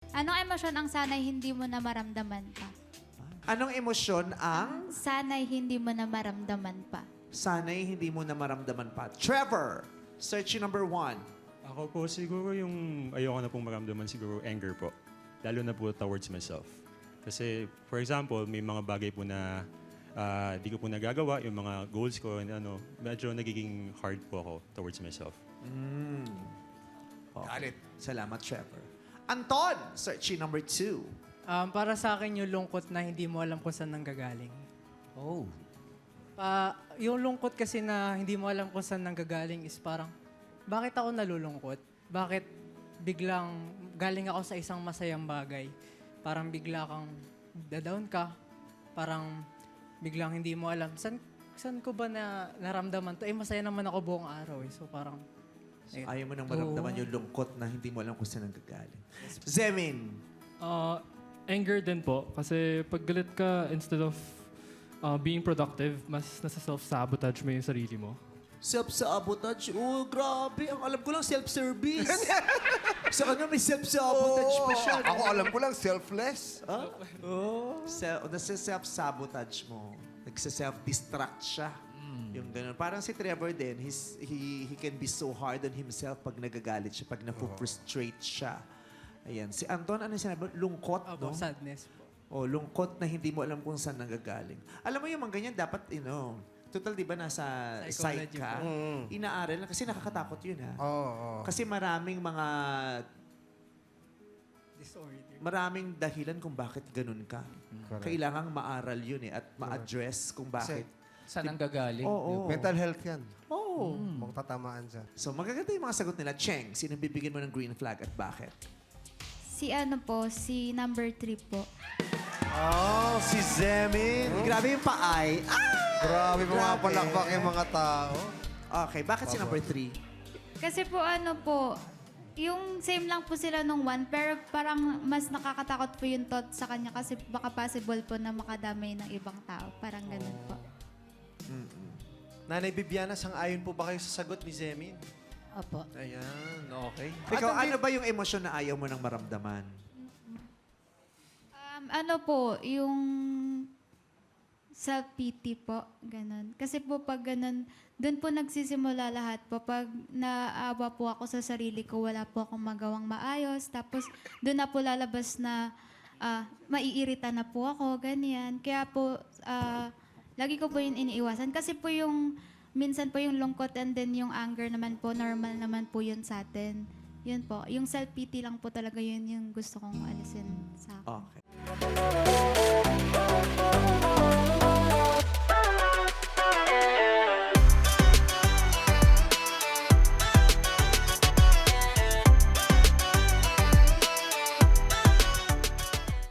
Anong emosyon ang sanay hindi mo na maramdaman pa? Anong emosyon ang Sanay hindi mo na maramdaman pa. sanay hindi mo na maramdaman pa? Trevor, search number 1. Ako po siguro yung ayoko na pong maramdaman siguro anger po. Lalo na po towards myself. Kasi for example, may mga bagay po na di ko po nagagawa, yung mga goals ko, and medyo nagiging hard po ako towards myself. Got it. Salamat, Trevor. Anton, search number 2. Para sa akin yung lungkot na hindi mo alam kung saan nanggagaling. Oh. Yung lungkot kasi na hindi mo alam kung saan nanggagaling is parang, bakit ako nalulungkot? Bakit biglang galing ako sa isang masayang bagay? Parang bigla kang down ka. Parang biglang hindi mo alam, saan ko ba na naramdaman to? Masaya naman ako buong araw. So parang, ayun. Ayaw mo nang maramdaman yung lungkot na hindi mo alam kung saan nanggagaling. Zemin, Anger din po. Kasi pag galit ka, instead of being productive, mas nasa self-sabotage mo yung sarili mo. self-sabotage. Oh, grabe. Ang alam ko lang, self-service. Sa kanya may self-sabotage pa siya. no? Ako alam ko lang, selfless. Nasa-self-sabotage mo. Nagsa-self-destruct siya. Yung ganun. Parang si Trevor din, he can be so hard on himself pag nagagalit siya, pag na-frustrate siya. Ayan. Si Anton, ano yung sinabi? Lungkot, no? Sadness po. O, lungkot na hindi mo alam kung saan nanggagaling. Alam mo yung mga ganyan, dapat, total, di ba, nasa psych Psychology ka? Inaaral na, kasi nakakatakot yun, ha? Oo. Kasi maraming mga Disorder. maraming dahilan kung bakit ganun ka. Kailangang maaral yun at ma-address kung bakit. Saan ang gagaling? Oo. Mental health yan. Oo. Kung tatamaan dyan. So, magaganda yung mga sagot nila. Cheng, sino bibigyan mo ng green flag at bakit? Si number 3 po. Oh, si Zemin. Grabe yung paay. Grabe, mga Grabe. palakpak yung mga tao. Okay, bakit si number 3? Kasi po yung same lang po sila nung 1, pero parang mas nakakatakot po yung thought sa kanya kasi baka possible po na makadamay ng ibang tao. Parang ganun po. Nanay Bibiana, sang-ayon po ba kayo sa sagot ni Zemin? Opo. Ayan, okay. Ikaw, ano ba yung emosyon na ayaw mo nang maramdaman? Yung self-pity po, ganun. Kasi po pag ganun, doon po nagsisimula lahat po. Pag naawa po ako sa sarili ko, wala po akong magawang maayos. Tapos doon na po lalabas na maiirita na po ako, ganyan. Kaya po, lagi ko po yun iniiwasan. Kasi po minsan po yung lungkot and then yung anger naman po, normal naman po yun sa atin. Yun po. Yung self-pity lang po talaga yun yung gusto kong alisin sa akin. Okay.